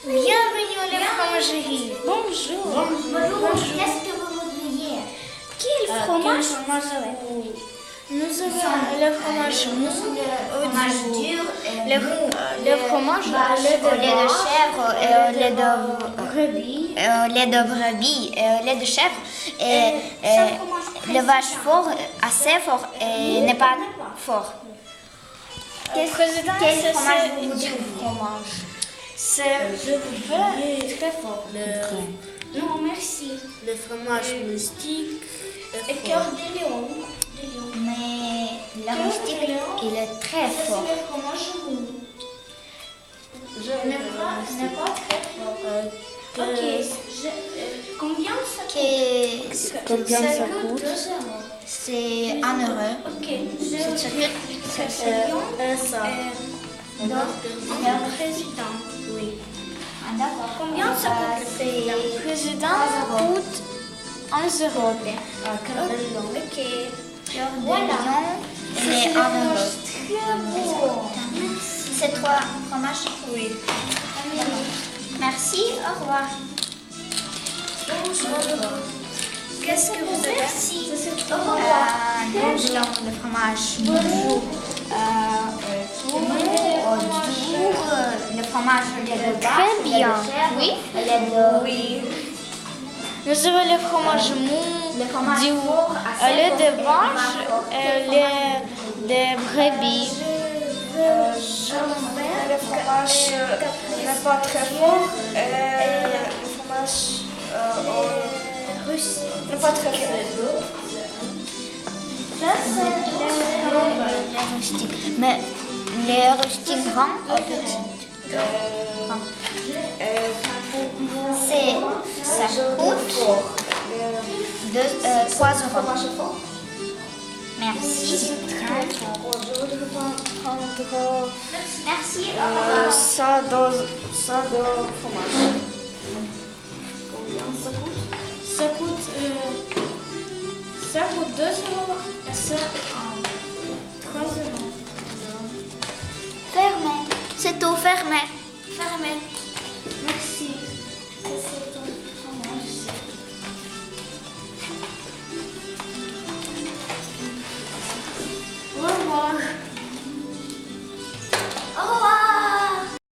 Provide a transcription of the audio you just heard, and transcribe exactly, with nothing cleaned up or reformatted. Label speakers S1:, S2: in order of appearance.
S1: Bienvenue à la fromagerie. Bonjour.
S2: Bonjour. Qu'est-ce que vous voudriez?
S1: Quel fromage vous Nous avons le fromage mou,
S2: fromage dur,
S1: le, le fromage au lait
S2: au lait de chèvre, et au lait de
S1: brebis,
S2: et au lait de brebis, et au lait de chèvre, et, et le vache fort, assez fort, et n'est pas fort.
S1: Quel, président,
S2: quel
S1: c'est
S2: fromage
S1: ce
S2: vous voulez?
S1: fromage. C'est le très fort. Le, non, merci. Le fromage moustique. Et cœur de lion.
S2: Mais la moustique, il est très fort.
S1: C'est le fromage mou. Je ne n'est pas très fort. Euh, ok. Je, euh, combien ça coûte?
S2: Que-
S1: Combien ça coûte?
S2: C'est un euro.
S1: Ok.
S2: C'est ce que
S1: C'est euh, ça.
S2: Euh,
S1: Donc, le président. Oui.
S2: Ah, d'accord.
S1: Combien ça coûte le président? Le président coûte un euro. Ok.
S2: Voilà. Il est un euro.
S1: Très beau.
S2: C'est trois fromages.
S1: Oui.
S2: Merci, au revoir.
S1: Bonjour. Qu'est-ce que vous avez?
S2: Merci.
S1: Au revoir.
S2: Euh, nous voulons le fromage mou, euh, euh, mou, au doux, euh, le fromage au lait de vache,
S1: Très
S2: au lait de
S1: bien.
S2: chèvre,
S1: Oui.
S2: au lait de...
S1: Oui. Nous avons le fromage mou,
S2: Le fromage
S1: du
S2: fort, assez
S1: au lait
S2: fort,
S1: de
S2: et
S1: vache,
S2: pas fort.
S1: et lait de brebis.
S3: Le fromage n'est pas très fort. Et le fromage euh, russe n'est pas très fort.
S2: Ça, c'est le, le rustique. Mais les rustiques grands ou petits? Grands. C'est, ça coûte deux, euh, trois euros. Merci.
S3: Je voudrais prendre
S2: Merci.
S3: euh, ça dans ça dans fromage. Combien ça coûte?
S1: Ça coûte, euh, ça coûte deux euros et ça euh, trois euros.
S2: Fermé. C'est tout fermé. Fermé.